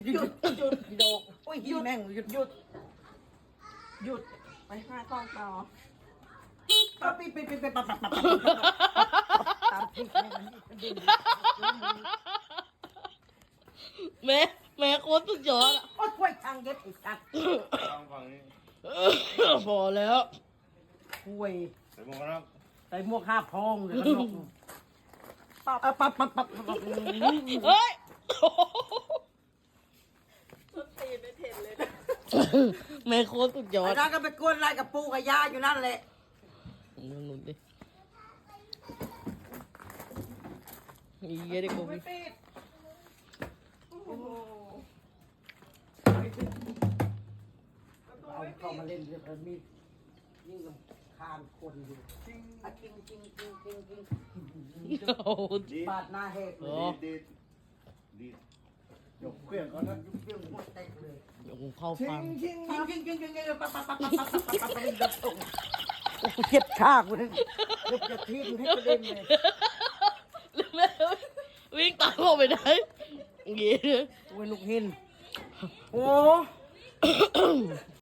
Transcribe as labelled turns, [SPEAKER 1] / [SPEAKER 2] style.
[SPEAKER 1] หยุดโดกโอ้ยแม่งหยุด
[SPEAKER 2] ไปหากล้องต่อ
[SPEAKER 1] ปั๊บปีปั๊บตามที่แม่งมันดิ้น
[SPEAKER 3] แม่โคตรสุดยอดอ่ะ
[SPEAKER 1] โอ้ยกล้วยทางเย็บอีกสัตว์
[SPEAKER 4] ฟังฝั่งนี้
[SPEAKER 3] พอแล้ว
[SPEAKER 1] กล้วย
[SPEAKER 4] ใส่หมวกกันน็อก
[SPEAKER 1] ใส่หมวก5 พองเลยขนมปั๊บ
[SPEAKER 3] เฮ้ย
[SPEAKER 2] สุดตีนไม่เห็นเลยนะ
[SPEAKER 3] แม่โคตรสุดยอ
[SPEAKER 1] ไอ้
[SPEAKER 3] ด
[SPEAKER 1] นั่นก็ไปกวนอะไรกับปูกับยาอยู่นั่นแหละ
[SPEAKER 3] มึงดูดิอีเหี้ยดิกู
[SPEAKER 2] ไม่ติดโอ้โห
[SPEAKER 1] เอาเข้ามาเล่นเดี๋ยวมันมียิ่งกับคานคนอยู่จริง
[SPEAKER 3] โอ้โห
[SPEAKER 1] ปาดหน้าแหกเล
[SPEAKER 3] โอ้
[SPEAKER 1] ย
[SPEAKER 4] ดีด
[SPEAKER 1] ยกเครื่องก่อนนะยกเครื่องหัวแตกเลย
[SPEAKER 3] เดี๋ยวกูเข้าฟัง
[SPEAKER 1] จริงปั๊บโอ้โหเจ็บข้ากูเลยยกจะทิ้งให้กระเด็นเลย
[SPEAKER 3] แล้วแม่วิ่งตามออกไปไหนอย่างงี้
[SPEAKER 1] โอ้ยลูกหินโอ้